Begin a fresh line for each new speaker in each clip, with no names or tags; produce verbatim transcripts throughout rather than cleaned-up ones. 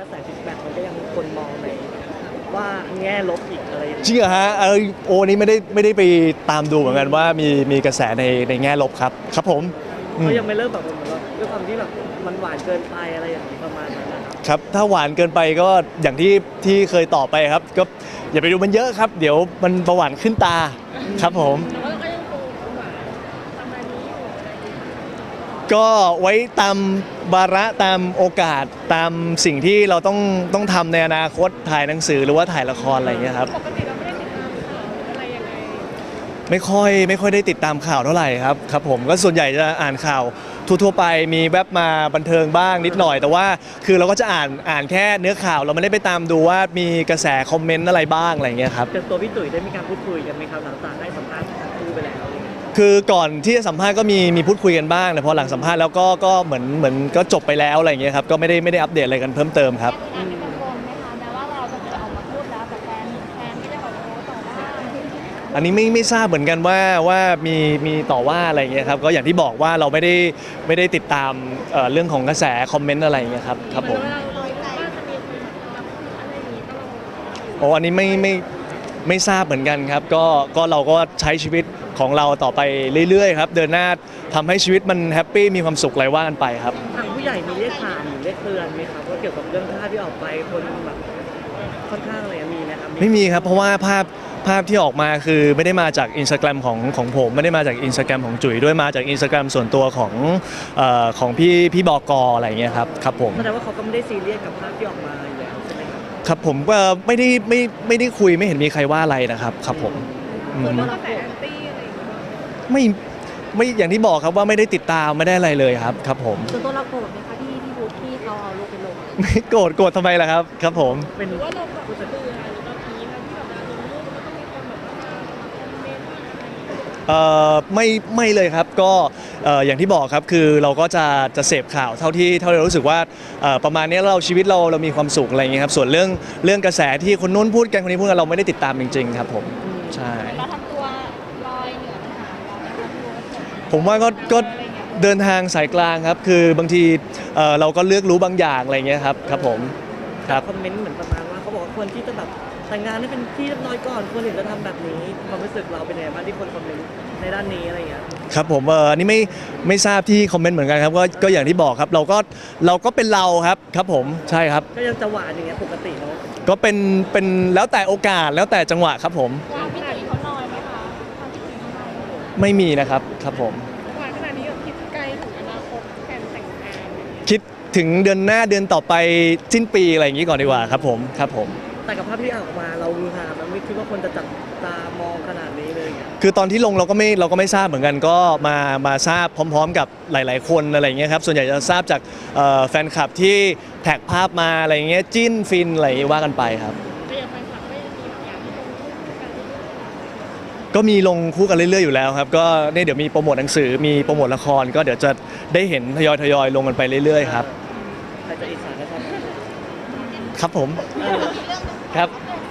ระแสฟีดแบ็กมันก็ยังคนมองในว่าแง่ลบอีกอะไรอย่าง
จริ
เงี้ย
งเหรอฮะเออโอ้นี้ไม่ได้ไม่ได้ไปตามดูเหมือนกันว่ามีมีกระแสในในแง่ลบครับครับผมอืม
เขายังไม่เริ่มแบบเหมือนว่าด้วยความที่แบบมันหวานเกินไปอะไรอย่างนี้ประมาณนั้นนะครับ
ครับถ้าหวานเกินไปก็อย่างที่ที่เคยตอบไปครับก็อย่าไปดูมันเยอะครับ เดี๋ยวมันประหวานขึ้นตาครับผม
แต่ว่าเราก็ยังคงหวานประมาณนี้อยู่อะไรอย่างเงี้ย
ก็ไว้ตามวาระตามโอกาสตามสิ่งที่เราต้องต้องทำในอนาคตถ่ายหนังสือหรือว่าถ่ายละครอะไรอย่างเงี้ยครับ
ปกติเราไม่ได้ติดตามข่าวหรืออะไรยังไง
ไม่ค่อยไม่ค่อยได้ติดตามข่าวเท่าไหร่ครับครับผมก็ส่วนใหญ่จะอ่านข่าวทั่วๆไปมีแวบมาบันเทิงบ้างนิดหน่อย แต่ว่าคือเราก็จะอ่านอ่านแค่เนื้อข่าวเราไม่ได้ไปตามดูว่ามีกระแสคอมเมนต์อะไรบ้างอะไรอย่างเงี้ยครับ
เจอตัวพี่ตุ๋ยได้มีการพูดคุยกันไหมครับหลังจากให้สัมภาษณ์คู่ไปแล้วอะไรเงี้ย
คือก่อนที่จะสัมภาษณ์ก็มีมีพูดคุยกันบ้างแต่พอหลังสัมภาษณ์แล้วก็ก็เหมือนเหมือนก็จบไปแล้วอะไรอย่างเงี้ยครับก็ไม่ได้ไม่ได้อัปเดตอะไรกันเพิ่มเติมครับ
แอบเป็นกังวลไหมคะแม้ว่าเราจะออกมาพูดแล้วแต่แฟนแฟนก็ยังออกมาโพสต์ต่อว่า
อันนี้ไม่ไม่ทราบเหมือนกันว่าว่ามีมีต่อว่าอะไรอย่างเงี้ยครับก็อย่างที่บอกว่าเราไม่ได้ไม่ได้ติดตามเอ่อเรื่องของกระแสคอมเมนต์อะไรอย่างเงี้ยครับครับผม
เวลาเราบ้านจะมีคนแบบอะไรอย่างงี้ก็เรา
โอ้อันนี้ไม่ไม่ไม่ทราบเหมือนกันครับก็ก็เราก็ใช้ชีวิตของเราต่อไปเรื่อยๆครับเดินหน้าทำให้ชีวิตมันแฮปปี้มีความสุขอะไรว่ากันไปครับ
ทางผู้ใหญ่มีเรียกถามหรือเรียกเตือนไหมครับว่าเกี่ยวกับเรื่องภาพที่ออกไปคนแบบค่อนข้างอะไรอะมีไหมครับ
ไม่มีครับเพราะว่าภาพภาพที่ออกมาคือไม่ได้มาจากอินสตาแกรมของของผมไม่ได้มาจากอินสตาแกรมของจุ๋ยด้วยมาจากอินสตาแกรมส่วนตัวของเอ่อของพี่พี่บอกออะไรอย่างเงี้ยครับครับผม
แสดงว่าเขาก็ไม่ได้ซีเรียสกับภาพที่ออกมาอยู่แล้วใช่ไหมครับ
ครับผมก็ไม่ได้ไม่ไม่ได้คุยไม่เห็นมีใครว่าอะไรนะครับครับผมอืม
คนก็กระแสแอนตี้อะไรอย่างเงี้ย
ไม่ไม่อย่างที่บอกครับว่าไม่ได้ติดตามไม่ได้อะไรเลยครับครับผม
ส่วนตัวเราโกรธไหมคะที่ที่บูธที่เขาเอาลูกไปลง
ไม่โกรธโกรธทำไมล่ะครับครับผม
เป็น
หรือว่าเราแบบเบื่อหรือเราทีนะที่แบบเราลงรูปมันก็ต้องมีคนแบบว่ามาคอมเมนต์มาอะไรอย่างเงี้ย
เอ่อไม่ไม่เลยครับก็เอ่ออย่างที่บอกครับคือเราก็จะจะเสพข่าวเท่าที่เท่าที่เรารู้สึกว่าเอ่อประมาณนี้เราชีวิตเราเรามีความสุขอะไรอย่างเงี้ยครับส่วนเรื่องเรื่องกระแสที่คนนู้นพูดกันคนนี้พูดกันเราไม่ได้ติดตามจริงๆครับผมใช่
เราทำตัวลอยเหนือปัญหาเราไหมคะพี่โอ๊ต
ผมว่าก็ก็เดินทางสายกลางครับคือบางทีเอ่อเราก็เลือกรู้บางอย่างอะไรอย่างเงี้ยครับครับผมครับ
คอมเมนต์เหมือนประมาณว่าเขาบอกว่าควรที่จะแบบแต่งงานให้เป็นที่เรียบร้อยก่อนควรถึงจะทำแบบนี้ความรู้สึกเราเป็นยังไงบ้างที่คนคอมเมนต์ในด้านนี้อะไรอย่างเงี้ย
ครับผมเอออันนี้ไม่ไม่ทราบที่คอมเมนต์เหมือนกันครับก็ก็อย่างที่บอกครับเราก็เราก็เป็นเราครับครับผมใช่ครับ
ก็ยังจะหวานอย่างเงี้ยปกติเนาะ
ก็เป็นเป็นแล้วแต่โอกาสแล้วแต่จังหวะครับผม
ความพี่ตุ๋ยเขาน้อยไหมคะความพี่ตุ๋ยเขาน้อยไหม
ไม่มีนะครับครับผม
หวานขนาดนี้แบบคิดไกลถึงอนาคตแผนแต่งงาน
คิดถึงเดือนหน้าเดือนต่อไปสิ้นปีอะไรอย่างนี้ก่อนดีกว่าครับผมครับผม
แต่กับภาพที่ออกมาเราฮือฮามันไม่คิดว่าคนจะจับตามองขนาดนี้เลยอย่างเงี้ย
คือตอนที่ลงเราก็ไม่เราก็ไม่ทราบเหมือนกันก็มามาทราบพร้อม ๆ กับหลาย ๆ คนอะไรอย่างเงี้ยครับส่วนใหญ่จะทราบจากเอ่อแฟนคลับที่แท็กภาพมาอะไรอย่างเงี้ยจิ้นฟินอะไรอย่างเงี้ยว่ากันไปครับ
แต่อย่างแฟนคลับก็ยังมีแบบอยากให้ลงรูปคู่กันเรื่อยๆ
ก็มีลงคู่กันเรื่อย ๆ อยู่แล้วครับก็เนี่ยเดี๋ยวมีโปรโมทหนังสือมีโปรโมทละคร ก็เดี๋ยวจะได้เห็นทยอยทยอยๆลงกันไปเรื่อย ๆ ครับ
ใครจะอิจฉาก็ทำ
ครับผม
เออ
ครับ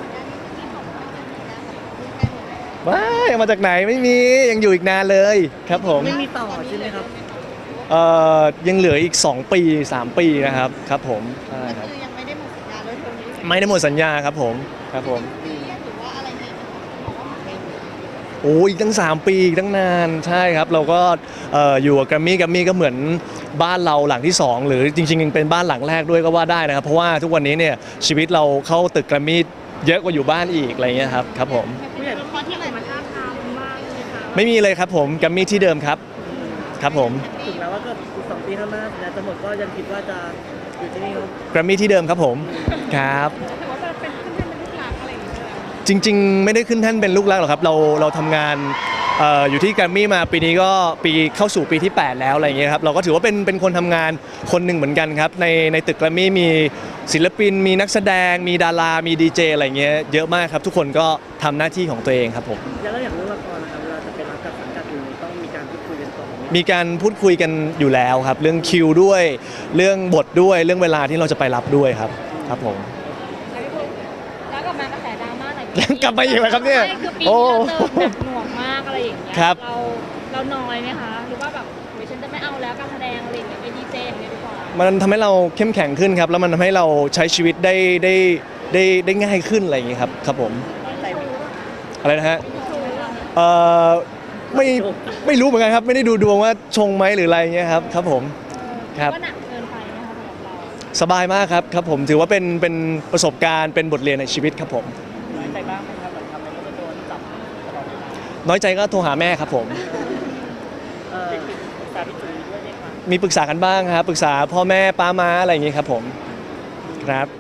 ว้ายมาจากไหนไม่มียังอยู่อีกนานเลยครับผม
ไม่มีต่อใช่ไหมครับ
เอ่อยังเหลืออีกสองปีสามปีนะครับครับผมใช่ครับ
คือยังไม่ได้หมดสัญญาโดยตรงนี้
ไม่ได้หมดสัญญาครับผมครับผม
หรือว่าอะไรเนี่ยบอกว่ามันเป็น
โอ้อีกตั้งสามปีอีกตั้งนานใช่ครับเราก็เอ่ออยู่กับแกรมมี่แกรมมี่ก็เหมือนบ้านเราหลังที่สองหรือจริงๆยังเป็นบ้านหลังแรกด้วยก็ว่าได้นะครับเพราะว่าทุกวันนี้เนี่ยชีวิตเราเข้าตึกแกรมมี่เยอะกว่าอยู่บ้านอีกอะไรเงี้ยครับครับผม
ผู้ใหญ่ละครที่ไหนมาท้าทามมากเลยค่ะ
ไม่มีเลยครับผมแกรมมี่ที่เดิมครับครับผม
ถึงแม้ว่าก็อีกสองปีข้างหน้าสัญญาจะหมดก็ยังคิดว่าจะอยู่ที่นี่เนาะ
แกรมมี่ที่เดิมครับผมครับ
ถือว่าเป็นขึ้นแท่นเป็นลูกหลานอะไรอย่างเงี้ย
จริงๆ ไม่ได้ขึ้นแท่นเป็นลูกรักหรอกครับเราเราทำงานเอ่ออยู่ที่แกรมมี่มาปีนี้ก็ปีเข้าสู่ปีที่แปดแล้วอะไรอย่างเงี้ยครับเราก็ถือว่าเป็นเป็นคนทำงานคนหนึ่งเหมือนกันครับในในตึกแกรมมี่มีศิลปิน มีนักแสดง มีดารา มีดีเจอะไรเงี้ยเยอะมากครับทุกคนก็ทำหน้าที่ของตัวเองครับผม
แล้วอย่างเรื่องละครนะครับเวลาจะเป็นรับกับสังกัดอื่นต้องมีการพูดคุยกันก่อนไหม
มีการพูดคุยกันอยู่แล้วครับเรื่องคิวด้วย เรื่องบทด้วยเรื่องเวลาที่เราจะไปรับด้วยครับครับผม
แล้วพี่พงษ์แล้วกลับมากระแสดราม่าหน่อย
กลับมาอีกแล้วครับเนี่ย
ใช่คือปี
โอ้
นี้เราเจอหนักหน่วงมากอะไรอย่างเงี้ย
ครับ
เราเราน้อยไหมคะหรือว่าแบบโอ้ยฉันจะไม่เอาแล้วการแสดงอะไรอย่างเงี้ยไปดีเจอย่างเงี้ยดีกว่า
มันทำให้เราเข้มแข็งขึ้นครับแล้วมันทำให้เราใช้ชีวิตได้ได้ได้ได้ง่ายขึ้นอะไรอย่างเงี้ยครับครับผมอะไรนะฮะเอ่อไม่ไม่รู้เหมือนกันครับไม่ได้ดูดวงว่าชงไหมหรืออะไรเงี้ยครับครับผมครับ
ว่าหนักเกินไปไหมคะสำหรับเรา
สบายมากครับครับผมถือว่าเป็นเป็นประสบการณ์เป็นบทเรียนในชีวิตครับผม
น้อยใจบ้างไหมครับเหมือนทำแล้วก็จะโดนจับตลอดเวลา
น้อยใจก็โทรหาแม่ครับผม
เออปรึกษาพี่จุ๋ยด้วยไหมคะ
มีปรึกษากันบ้างครับปรึกษาพ่อแม่ป้าม้าอะไรอย่างงี้ครับผมครับ